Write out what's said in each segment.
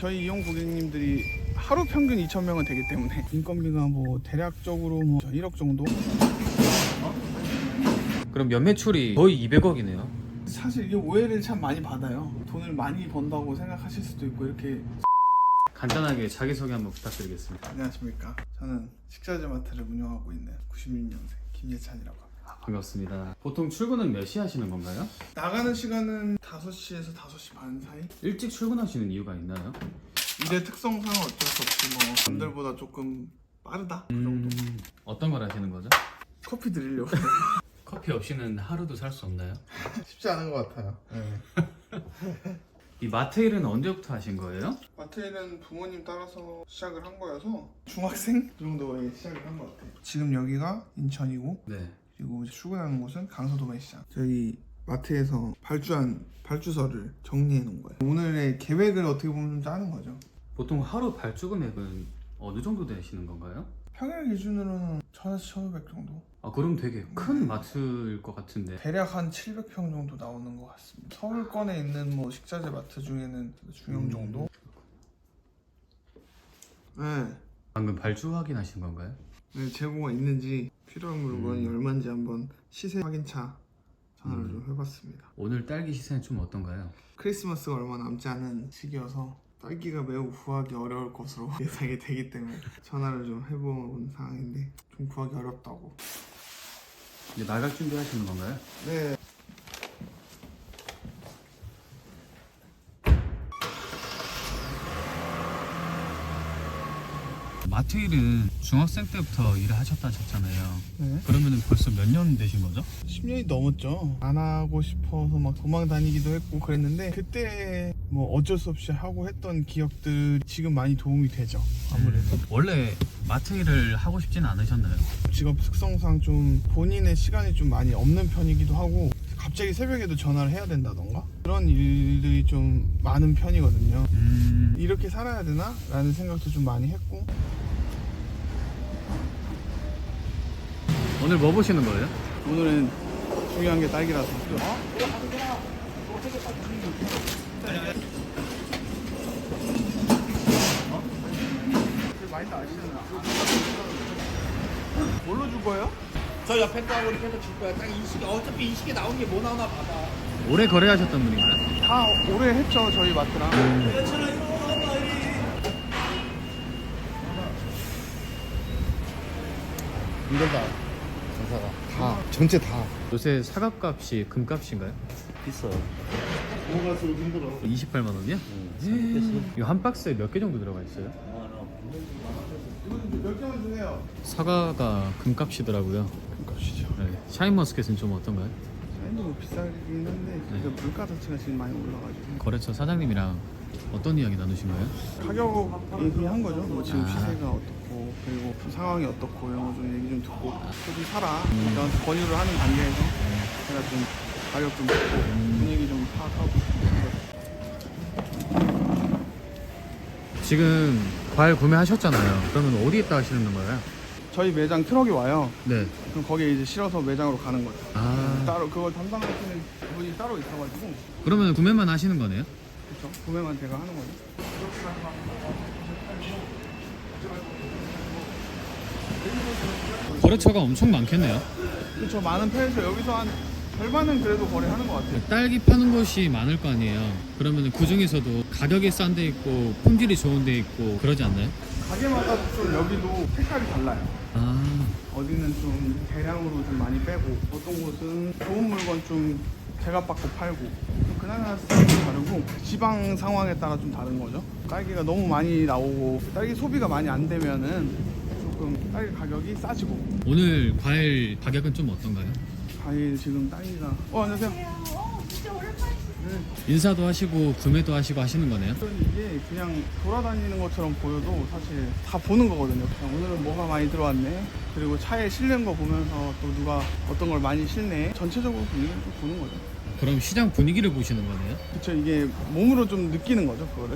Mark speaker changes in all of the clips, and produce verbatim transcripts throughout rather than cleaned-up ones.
Speaker 1: 저희 이용 고객님들이 하루 평균 이천 명은 되기 때문에 인건비가 뭐 대략적으로 뭐 일억 정도?
Speaker 2: 그럼 연매출이 거의 이백억이네요.
Speaker 1: 사실 이게 오해를 참 많이 받아요. 돈을 많이 번다고 생각하실 수도 있고. 이렇게
Speaker 2: 간단하게 자기소개 한번 부탁드리겠습니다.
Speaker 1: 안녕하십니까, 저는 식자재마트를 운영하고 있는 구십육 년생 김예찬이라고 합니다.
Speaker 2: 아, 반갑습니다. 보통 출근은 몇 시 하시는 건가요?
Speaker 1: 나가는 시간은 다섯 시에서 다섯 시 반 사이?
Speaker 2: 일찍 출근하시는 이유가 있나요?
Speaker 1: 일의 특성상 어쩔 수 없이 뭐 남들보다 조금 빠르다? 그 정도.
Speaker 2: 음, 어떤 걸 하시는 거죠?
Speaker 1: 커피 드리려고.
Speaker 2: 커피 없이는 하루도 살 수 없나요?
Speaker 1: 쉽지 않은 것 같아요. 네.
Speaker 2: 이 마트 일은 언제부터 하신 거예요?
Speaker 1: 마트에는 부모님 따라서 시작을 한 거여서 중학생 정도에 시작을 한 것 같아요. 지금 여기가 인천이고,
Speaker 2: 네.
Speaker 1: 그리고 출근하는 곳은 강서도매시장. 저희 마트에서 발주한 발주서를 정리해 놓은 거예요. 오늘의 계획을 어떻게 보면 짜는 거죠.
Speaker 2: 보통 하루 발주 금액은 어느 정도 되시는 건가요?
Speaker 1: 평일 기준으로는 천에서 천오백 정도?
Speaker 2: 아, 그럼 되게 큰 마트일 것 같은데.
Speaker 1: 대략 한 칠백 평 정도 나오는 것 같습니다. 서울권에 있는 뭐 식자재 마트 중에는 중형 정도? 네.
Speaker 2: 방금 발주 확인하신 건가요?
Speaker 1: 네, 재고가 있는지, 필요한 물건이
Speaker 2: 음.
Speaker 1: 얼마인지 한번 시세 확인차 전화를
Speaker 2: 음.
Speaker 1: 좀 해봤습니다.
Speaker 2: 오늘 딸기 시세는 좀 어떤가요?
Speaker 1: 크리스마스가 얼마 남지 않은 시기여서 딸기가 매우 구하기 어려울 것으로 예상이 되기 때문에 전화를 좀 해본 상황인데 좀 구하기 어렵다고.
Speaker 2: 이제 나갈 준비 하시는 건가요?
Speaker 1: 네.
Speaker 2: 마트 일은 중학생 때부터 일을 하셨다 하셨잖아요.
Speaker 1: 네.
Speaker 2: 그러면 벌써 몇 년 되신 거죠?
Speaker 1: 십 년이 넘었죠. 안 하고 싶어서 막 도망 다니기도 했고 그랬는데, 그때 뭐 어쩔 수 없이 하고 했던 기억들 지금 많이 도움이 되죠. 아무래도
Speaker 2: 음, 원래 마트 일을 하고 싶진 않으셨나요?
Speaker 1: 직업 특성상 좀 본인의 시간이 좀 많이 없는 편이기도 하고, 갑자기 새벽에도 전화를 해야 된다던가 그런 일들이 좀 많은 편이거든요.
Speaker 2: 음,
Speaker 1: 이렇게 살아야 되나? 라는 생각도 좀 많이 했고.
Speaker 2: 오늘 뭐 보시는 거예요?
Speaker 1: 오늘은 중요한 게 딸기라서. 많이 아시는 뭘로 줄 거예요?
Speaker 3: 저 옆에 거하고 이렇게 해서 줄 거야. 딱 인식이 어차피 인식이 나온 게 뭐 나오나 봐봐.
Speaker 2: 오래 거래하셨던 분인가요?
Speaker 1: 다 오래 했죠, 저희 마트랑.
Speaker 3: 힘들다. 장사가 다 전체 다
Speaker 2: 요새 사과값이 금값인가요?
Speaker 3: 비싸. 넘어갈수록 힘들어.
Speaker 2: 이십팔만 원이요?
Speaker 3: 응.
Speaker 2: 이거 한 박스에 몇 개 정도 들어가 있어요?
Speaker 1: 몇 개만 주세요.
Speaker 2: 사과가 금값이더라고요.
Speaker 1: 값이죠.
Speaker 2: 네. 샤인머스켓은 좀 어떤가요?
Speaker 1: 사인도 뭐 비싸긴 한데
Speaker 2: 네.
Speaker 1: 그 물가 자체가 지금 많이 올라가지고
Speaker 2: 거래처 사장님이랑 어떤 이야기 나누신 거예요?
Speaker 1: 가격 얘기한 거죠. 뭐 지금
Speaker 2: 아.
Speaker 1: 시세가 어떻고, 그리고 좀 상황이 어떻고, 이런 거 좀 얘기 좀 듣고, 좀 사라 이런 권유를 하는 단계에서 제가 좀 가격 좀 듣고 분위기 좀 파악하고.
Speaker 2: 지금 과일 구매하셨잖아요. 그러면 어디에다 하시는 거예요?
Speaker 1: 저희 매장 트럭이 와요.
Speaker 2: 네.
Speaker 1: 그럼 거기에 이제 실어서 매장으로 가는 거죠.
Speaker 2: 아,
Speaker 1: 따로 그걸 담당하시는 분이 따로 있어가지고,
Speaker 2: 그러면 구매만 하시는 거네요?
Speaker 1: 그렇죠. 구매만 제가 하는 거죠.
Speaker 2: 거래처가 엄청 많겠네요.
Speaker 1: 그렇죠. 많은 편에서 여기서 한 절반은 그래도 거래하는 것 같아요.
Speaker 2: 딸기 파는 곳이 많을 거 아니에요. 그러면 그 중에서도 가격이 싼 데 있고 품질이 좋은 데 있고 그러지 않나요?
Speaker 1: 가게마다 좀 여기도 색깔이 달라요.
Speaker 2: 아,
Speaker 1: 어디는 좀 대량으로 좀 많이 빼고, 어떤 곳은 좋은 물건 좀 제값받고 팔고, 그나마 스타일이 다르고, 지방 상황에 따라 좀 다른 거죠. 딸기가 너무 많이 나오고 딸기 소비가 많이 안 되면은 조금 딸기 가격이 싸지고.
Speaker 2: 오늘 과일 가격은 좀 어떤가요?
Speaker 1: 과일 지금 딸기가 어 안녕하세요.
Speaker 4: 어, 진짜 오랜만이시네.
Speaker 2: 인사도 하시고 구매도 하시고 하시는 거네요?
Speaker 1: 이게 그냥 돌아다니는 것처럼 보여도 사실 다 보는 거거든요. 그냥 오늘은 뭐가 많이 들어왔네, 그리고 차에 실는 거 보면서 또 누가 어떤 걸 많이 실네, 전체적으로 분위기를 좀 보는 거죠.
Speaker 2: 그럼 시장 분위기를 보시는 거네요?
Speaker 1: 그쵸. 이게 몸으로 좀 느끼는 거죠, 그거를.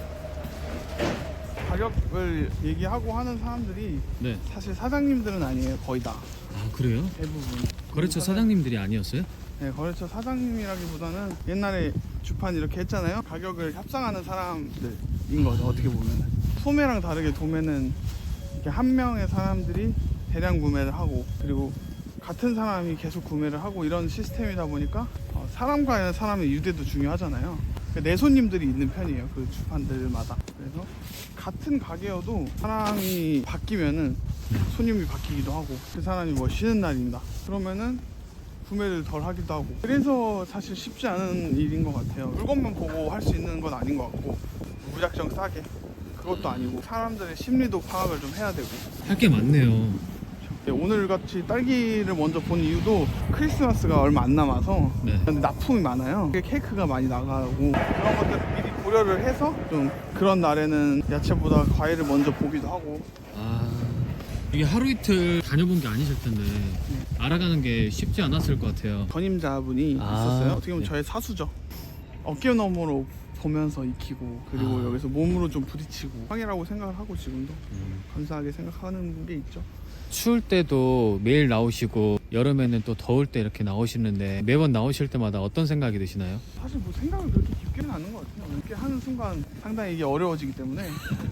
Speaker 1: 가격을 얘기하고 하는 사람들이
Speaker 2: 네.
Speaker 1: 사실 사장님들은 아니에요, 거의 다.
Speaker 2: 아, 그래요?
Speaker 1: 대부분.
Speaker 2: 거래처 사장님들이 아니었어요?
Speaker 1: 네, 거래처 사장님이라기보다는 옛날에 주판 이렇게 했잖아요. 가격을 협상하는 사람들, 거죠. 어떻게 보면 소매랑 다르게 도매는 이렇게 한 명의 사람들이 대량 구매를 하고 그리고 같은 사람이 계속 구매를 하고 이런 시스템이다 보니까 어, 사람과 사람의 유대도 중요하잖아요. 내 손님들이 있는 편이에요. 그 주판들마다. 그래서 같은 가게여도 사람이 바뀌면은 손님이 바뀌기도 하고 그 사람이 뭐 쉬는 날입니다. 그러면은 구매를 덜 하기도 하고 그래서 사실 쉽지 않은 일인 것 같아요. 물건만 보고 할 수 있는 건 아닌 것 같고 무작정 싸게 그것도 아니고 사람들의 심리도 파악을 좀 해야 되고
Speaker 2: 할 게 많네요.
Speaker 1: 네, 오늘 같이 딸기를 먼저 본 이유도 크리스마스가 얼마 안 남아서
Speaker 2: 네.
Speaker 1: 근데 납품이 많아요. 케이크가 많이 나가고 그런 것들을 미리 고려를 해서 좀 그런 날에는 야채보다 과일을 먼저 보기도 하고
Speaker 2: 아, 이게 하루 이틀 다녀본 게 아니실 텐데 알아가는 게 쉽지 않았을 것 같아요.
Speaker 1: 전임자분이
Speaker 2: 아,
Speaker 1: 있었어요. 어떻게 보면
Speaker 2: 네.
Speaker 1: 저의 사수죠. 어깨 너머로 보면서 익히고 그리고
Speaker 2: 아.
Speaker 1: 여기서 몸으로 좀 부딪히고 형이라고 생각을 하고 지금도
Speaker 2: 음.
Speaker 1: 감사하게 생각하는 게 있죠.
Speaker 2: 추울 때도 매일 나오시고 여름에는 또 더울 때 이렇게 나오시는데 매번 나오실 때마다 어떤 생각이 드시나요?
Speaker 1: 사실 뭐 생각을 그렇게 깊게는 하는 것 같아요. 이렇게 하는 순간 상당히 이게 어려워지기 때문에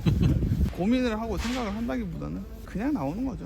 Speaker 1: 고민을 하고 생각을 한다기보다는 그냥 나오는 거죠.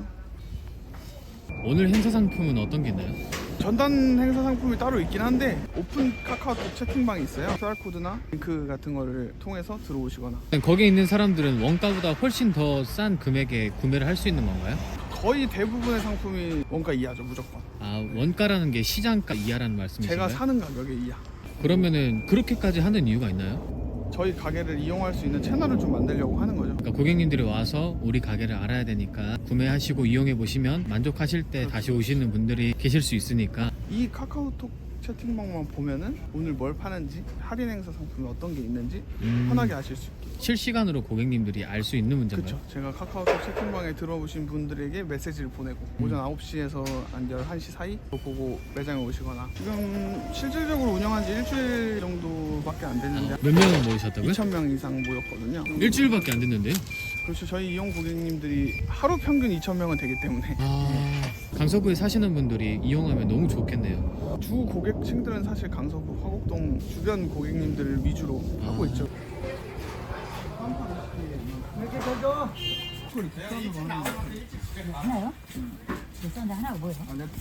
Speaker 2: 오늘 행사 상품은 어떤 게 있나요?
Speaker 1: 전단 행사 상품이 따로 있긴 한데 오픈 카카오톡 채팅방이 있어요. 큐알코드나 링크 같은 거를 통해서 들어오시거나
Speaker 2: 거기에 있는 사람들은 원가보다 훨씬 더 싼 금액에 구매를 할 수 있는 건가요?
Speaker 1: 거의 대부분의 상품이 원가 이하죠. 무조건.
Speaker 2: 아, 원가라는 게 시장가 이하라는 말씀이신가요?
Speaker 1: 제가 사는 가격에 이하.
Speaker 2: 그러면은 그렇게까지 하는 이유가 있나요?
Speaker 1: 저희 가게를 이용할 수 있는 채널을 좀 만들려고 하는 거죠.
Speaker 2: 그러니까 고객님들이 와서 우리 가게를 알아야 되니까 구매하시고 이용해 보시면 만족하실 때 다시 오시는 분들이 계실 수 있으니까.
Speaker 1: 이 카카오톡 채팅방만 보면은 오늘 뭘 파는지 할인 행사 상품이 어떤 게 있는지
Speaker 2: 음.
Speaker 1: 편하게 아실 수 있게.
Speaker 2: 실시간으로 고객님들이 알 수 있는 문제인가요?
Speaker 1: 그렇죠. 제가 카카오톡 채팅방에 들어오신 분들에게 메시지를 보내고 오전 아홉 시에서 한 열한 시 사이 보고 매장에 오시거나 지금 실질적으로 운영한 지 일주일 정도밖에 안 됐는데
Speaker 2: 아, 몇 명을 모으셨다고요?
Speaker 1: 이천 명 이상 모였거든요.
Speaker 2: 일주일밖에 안 됐는데요?
Speaker 1: 그렇죠. 저희 이용 고객님들이 하루 평균 이천 명은 되기 때문에
Speaker 2: 아, 강서구에 사시는 분들이 이용하면 너무 좋겠네요.
Speaker 1: 주 고객층들은 사실 강서구 화곡동 주변 고객님들을 위주로
Speaker 2: 아.
Speaker 1: 하고 있죠.
Speaker 4: 하나요? 몇 하나가 뭐예요?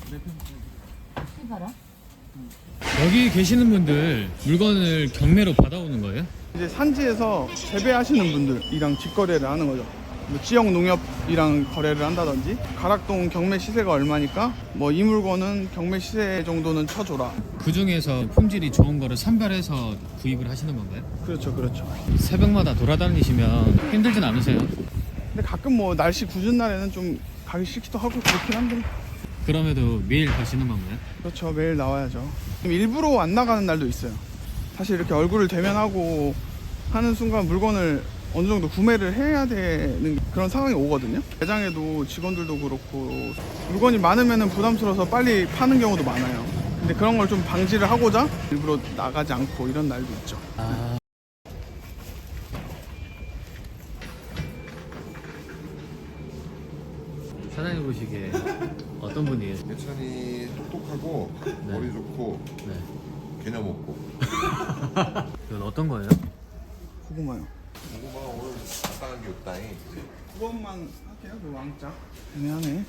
Speaker 4: 팔
Speaker 2: 여기 계시는 분들 물건을 경매로 받아오는 거예요?
Speaker 1: 이제 산지에서 재배하시는 분들이랑 직거래를 하는 거죠. 뭐 지역 농협이랑 거래를 한다든지 가락동 경매 시세가 얼마니까 뭐 이 물건은 경매 시세 정도는 쳐줘라.
Speaker 2: 그 중에서 품질이 좋은 거를 선별해서 구입을 하시는 건가요?
Speaker 1: 그렇죠, 그렇죠.
Speaker 2: 새벽마다 돌아다니시면 힘들진 않으세요?
Speaker 1: 근데 가끔 뭐 날씨 궂은 날에는 좀 가기 싫기도 하고 그렇긴 한데
Speaker 2: 그럼에도 매일 가시는 건가요?
Speaker 1: 그렇죠. 매일 나와야죠. 일부러 안 나가는 날도 있어요. 사실 이렇게 얼굴을 대면하고 하는 순간 물건을 어느 정도 구매를 해야 되는 그런 상황이 오거든요. 매장에도 직원들도 그렇고 물건이 많으면 부담스러워서 빨리 파는 경우도 많아요. 근데 그런 걸 좀 방지를 하고자 일부러 나가지 않고 이런 날도 있죠.
Speaker 2: 아. 사장님 보시기에 어떤 분이에요?
Speaker 5: 예찬이 똑똑하고 머리 좋고
Speaker 2: 네.
Speaker 5: 개념 없고.
Speaker 2: 이건 어떤 거예요?
Speaker 1: 고구마요.
Speaker 5: 고구마 오늘 간단한 게 없다잉.
Speaker 1: 두 번만 할게요. 그 왕자. 애매하네.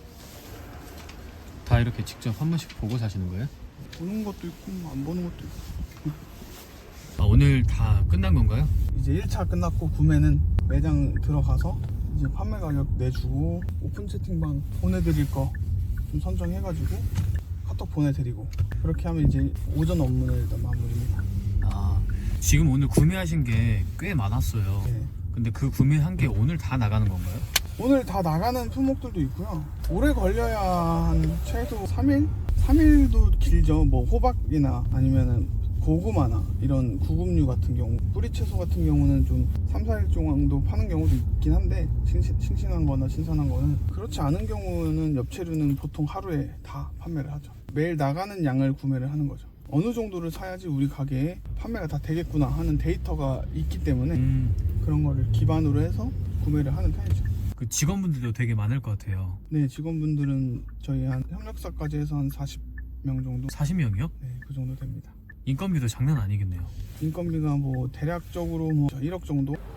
Speaker 2: 다 이렇게 직접 한 번씩 보고 사시는 거예요?
Speaker 1: 보는 것도 있고 뭐안 보는 것도 있고.
Speaker 2: 아, 오늘 다 끝난 건가요?
Speaker 1: 이제 일 차 끝났고 구매는 매장 들어가서 이제 판매 가격 내주고 오픈 채팅방 보내드릴 거 좀 선정해가지고 카톡 보내드리고 그렇게 하면 이제 오전 업무는 일단 마무리입니다.
Speaker 2: 아, 지금 오늘 구매하신 게 꽤 많았어요.
Speaker 1: 네.
Speaker 2: 근데 그 구매한 게 오늘 다 나가는 건가요?
Speaker 1: 오늘 다 나가는 품목들도 있고요. 오래 걸려야 한 최소 삼 일? 삼 일도 길죠. 뭐 호박이나 아니면은 고구마나 이런 구급류 같은 경우 뿌리채소 같은 경우는 좀 삼, 사 일 정도 파는 경우도 있긴 한데 싱싱, 싱싱한 거나 신선한 거는 그렇지 않은 경우는 엽채류는 보통 하루에 다 판매를 하죠. 매일 나가는 양을 구매를 하는 거죠. 어느 정도를 사야지 우리 가게에 판매가 다 되겠구나 하는 데이터가 있기 때문에
Speaker 2: 음,
Speaker 1: 그런 거를 기반으로 해서 구매를 하는 편이죠.
Speaker 2: 그 직원분들도 되게 많을 것 같아요.
Speaker 1: 네, 직원분들은 저희 한 협력사까지 해서 한 사십 명 정도?
Speaker 2: 사십 명이요?
Speaker 1: 네, 그 정도 됩니다.
Speaker 2: 인건비도 장난 아니겠네요.
Speaker 1: 인건비가 뭐 대략적으로 뭐 일억 정도?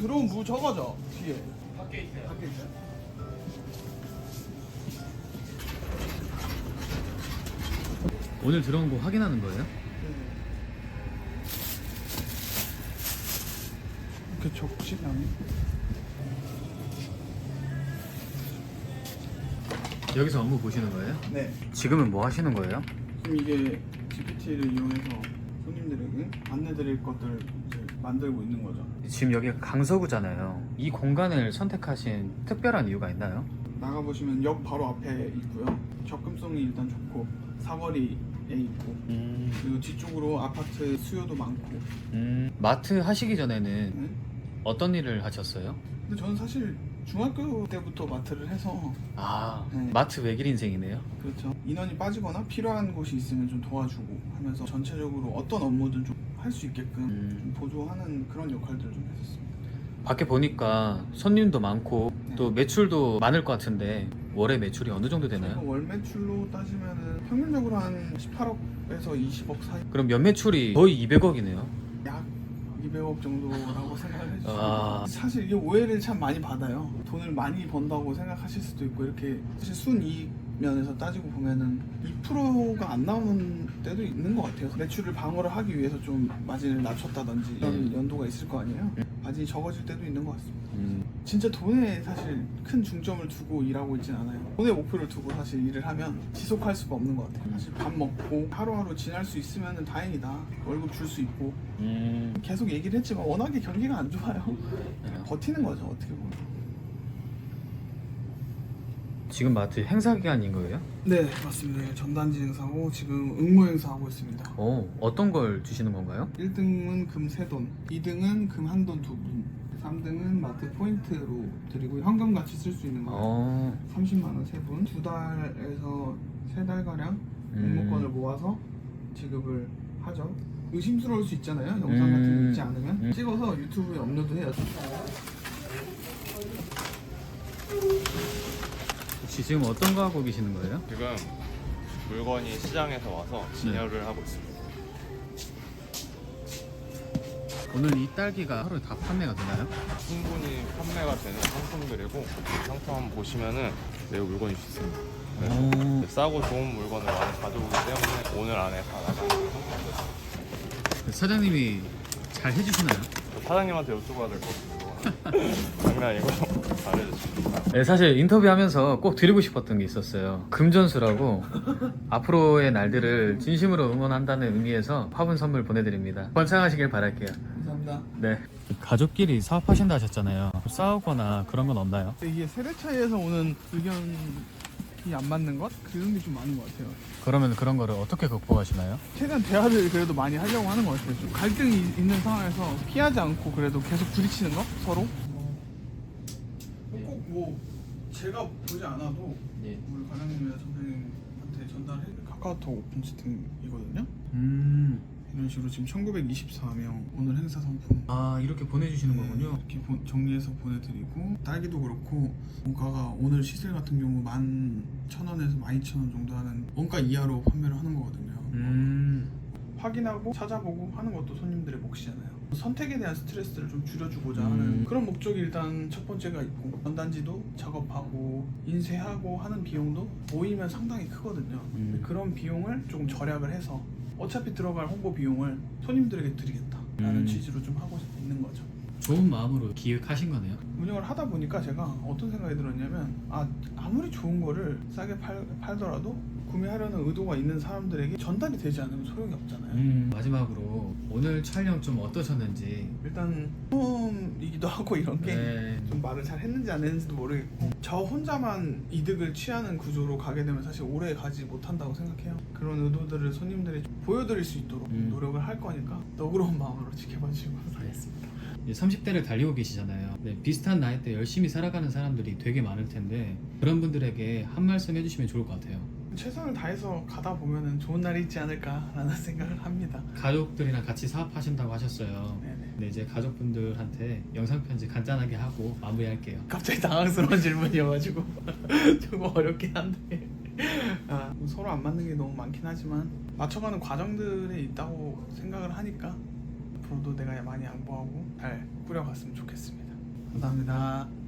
Speaker 1: 들어온 무 적어져 뒤에. 밖에 있어요. 밖에 있어요.
Speaker 2: 오늘 들어온 거 확인하는 거예요?
Speaker 1: 이렇게 적시면
Speaker 2: 여기서 업무 보시는 거예요?
Speaker 1: 네.
Speaker 2: 지금은 뭐 하시는 거예요?
Speaker 1: 지금 이게 지피티를 이용해서 손님들에게 안내드릴 것들을 이제 만들고 있는 거죠.
Speaker 2: 지금 여기가 강서구잖아요. 이 공간을 선택하신 특별한 이유가 있나요?
Speaker 1: 나가 보시면 역 바로 앞에 있고요. 접근성이 일단 좋고 사거리에 있고
Speaker 2: 음,
Speaker 1: 그리고 뒤쪽으로 아파트 수요도 많고.
Speaker 2: 음, 마트 하시기 전에는
Speaker 1: 네?
Speaker 2: 어떤 일을 하셨어요?
Speaker 1: 근데 저는 사실 중학교 때부터 마트를 해서
Speaker 2: 아,
Speaker 1: 네.
Speaker 2: 마트 외길 인생이네요.
Speaker 1: 그렇죠. 인원이 빠지거나 필요한 곳이 있으면 좀 도와주고 하면서 전체적으로 어떤 업무든 좀 할 수 있게끔
Speaker 2: 음.
Speaker 1: 좀 보조하는 그런 역할들을 좀 했었습니다.
Speaker 2: 밖에 보니까 손님도 많고
Speaker 1: 네.
Speaker 2: 또 매출도 많을 것 같은데 월에 매출이 어느 정도
Speaker 1: 저희가
Speaker 2: 되나요?
Speaker 1: 월 매출로 따지면은 평균적으로 한 십팔억에서 이십억 사이,
Speaker 2: 그럼 연 매출이 거의 이백억이네요.
Speaker 1: 약 이백억 정도라고 생각을 해주시면
Speaker 2: 아.
Speaker 1: 사실 이게 오해를 참 많이 받아요. 돈을 많이 번다고 생각하실 수도 있고 이렇게 사실 순이익 면에서 따지고 보면은 이 퍼센트가 안 나오는 때도 있는 것 같아요. 매출을 방어를 하기 위해서 좀 마진을 낮췄다든지 이런
Speaker 2: 음.
Speaker 1: 연도가 있을 거 아니에요. 마진이 적어질 때도 있는 것 같습니다.
Speaker 2: 음,
Speaker 1: 진짜 돈에 사실 큰 중점을 두고 일하고 있진 않아요. 돈에 목표를 두고 사실 일을 하면 지속할 수가 없는 것 같아요. 사실 밥 먹고 하루하루 지날 수 있으면 다행이다. 월급 줄 수 있고
Speaker 2: 음.
Speaker 1: 계속 얘기를 했지만 워낙에 경기가 안 좋아요.
Speaker 2: 네.
Speaker 1: 버티는 거죠 어떻게 보면.
Speaker 2: 지금 마트 행사 기간인 거예요?
Speaker 1: 네 맞습니다. 전단지 행사고 지금 응모 행사 하고 있습니다.
Speaker 2: 어, 어떤 걸 주시는 건가요?
Speaker 1: 일 등은 금 세 돈, 이 등은 금 한 돈 두 분, 삼 등은 마트 포인트로 드리고 현금 같이 쓸 수 있는 거예요.
Speaker 2: 어,
Speaker 1: 삼십만 원 세 분, 두 달에서 세 달 가량 응모권을 모아서 지급을 하죠. 의심스러울 수 있잖아요. 영상 같은 거
Speaker 2: 음.
Speaker 1: 있지 않으면
Speaker 2: 음.
Speaker 1: 찍어서 유튜브에 업로드해요.
Speaker 2: 혹시 지금 어떤 거 하고 계시는 거예요?
Speaker 6: 지금 물건이 시장에서 와서 진열을 하고 있습니다.
Speaker 2: 오늘 이 딸기가 하루에 다 판매가 되나요?
Speaker 6: 충분히 판매가 되는 상품들이고 이 상품 한번 보시면은 매우 물건이 좋습니다.
Speaker 2: 오,
Speaker 6: 싸고 좋은 물건을 많이 가져오기 때문에 오늘 안에 다 나가는 상품들.
Speaker 2: 사장님이 잘 해주시나요?
Speaker 6: 사장님한테 여쭤봐야 될 것 같습니다. 장난이고 잘해주십니다.
Speaker 2: 네, 사실 인터뷰하면서 꼭 드리고 싶었던 게 있었어요. 금전수라고 앞으로의 날들을 진심으로 응원한다는 의미에서 화분 선물 보내드립니다. 번창하시길 바랄게요.
Speaker 1: 감사합니다.
Speaker 2: 네. 가족끼리 사업하신다 하셨잖아요. 싸우거나 그런 건 없나요?
Speaker 1: 이게 세대 차이에서 오는 의견이 안 맞는 것? 그런 게 좀 많은 것 같아요.
Speaker 2: 그러면 그런 거를 어떻게 극복하시나요?
Speaker 1: 최대한 대화를 그래도 많이 하려고 하는 것 같아요. 좀 갈등이 있는 상황에서 피하지 않고 그래도 계속 부딪히는 거? 서로? 꼭 뭐 제가 보지 않아도
Speaker 2: 예.
Speaker 1: 우리 과장님이나 선생님한테 전달해 카카오톡 오픈 채팅이거든요.
Speaker 2: 음.
Speaker 1: 이런 식으로 지금 천구백이십사 명 오늘 행사 상품
Speaker 2: 아, 이렇게 보내주시는
Speaker 1: 네,
Speaker 2: 거군요.
Speaker 1: 이렇게 보- 정리해서 보내드리고 딸기도 그렇고 원가가 오늘 시세 같은 경우 만 천 원에서 만 이천 원 정도 하는 원가 이하로 판매를 하는 거거든요.
Speaker 2: 음.
Speaker 1: 확인하고 찾아보고 하는 것도 손님들의 몫이잖아요. 선택에 대한 스트레스를 좀 줄여주고자
Speaker 2: 음.
Speaker 1: 하는 그런 목적이 일단 첫 번째가 있고 전단지도 작업하고 인쇄하고 하는 비용도 모이면 상당히 크거든요.
Speaker 2: 음.
Speaker 1: 근데 그런 비용을 조금 절약을 해서 어차피 들어갈 홍보 비용을 손님들에게 드리겠다라는
Speaker 2: 음.
Speaker 1: 취지로 좀 하고 있는 거죠.
Speaker 2: 좋은 마음으로 기획하신 거네요.
Speaker 1: 운영을 하다 보니까 제가 어떤 생각이 들었냐면 아 아무리 좋은 거를 싸게 팔, 팔더라도 구매하려는 의도가 있는 사람들에게 전달이 되지 않으면 소용이 없잖아요.
Speaker 2: 음. 마지막으로 오늘 촬영 좀 어떠셨는지.
Speaker 1: 일단 처음이기도 하고 이런 게 좀
Speaker 2: 네.
Speaker 1: 말을 잘 했는지 안 했는지도 모르겠고 저 혼자만 이득을 취하는 구조로 가게 되면 사실 오래 가지 못한다고 생각해요. 그런 의도들을 손님들이 보여드릴 수 있도록
Speaker 2: 음.
Speaker 1: 노력을 할 거니까 너그러운 마음으로 지켜봐 주시고 하겠습니다.
Speaker 2: 삼십 대를 달리고 계시잖아요. 네, 비슷한 나이대 열심히 살아가는 사람들이 되게 많을 텐데 그런 분들에게 한 말씀 해주시면 좋을 것 같아요.
Speaker 1: 최선을 다해서 가다 보면은 좋은 날이 있지 않을까라는 생각을 합니다.
Speaker 2: 가족들이랑 같이 사업하신다고 하셨어요.
Speaker 1: 네네.
Speaker 2: 네, 이제 가족분들한테 영상 편지 간단하게 하고 마무리할게요.
Speaker 1: 갑자기 당황스러운 질문이어가지고 조금 어렵긴 한데 아, 서로 안 맞는 게 너무 많긴 하지만 맞춰가는 과정들이 있다고 생각을 하니까 앞으로도 내가 많이 양보하고 잘 꾸려갔으면 좋겠습니다. 감사합니다.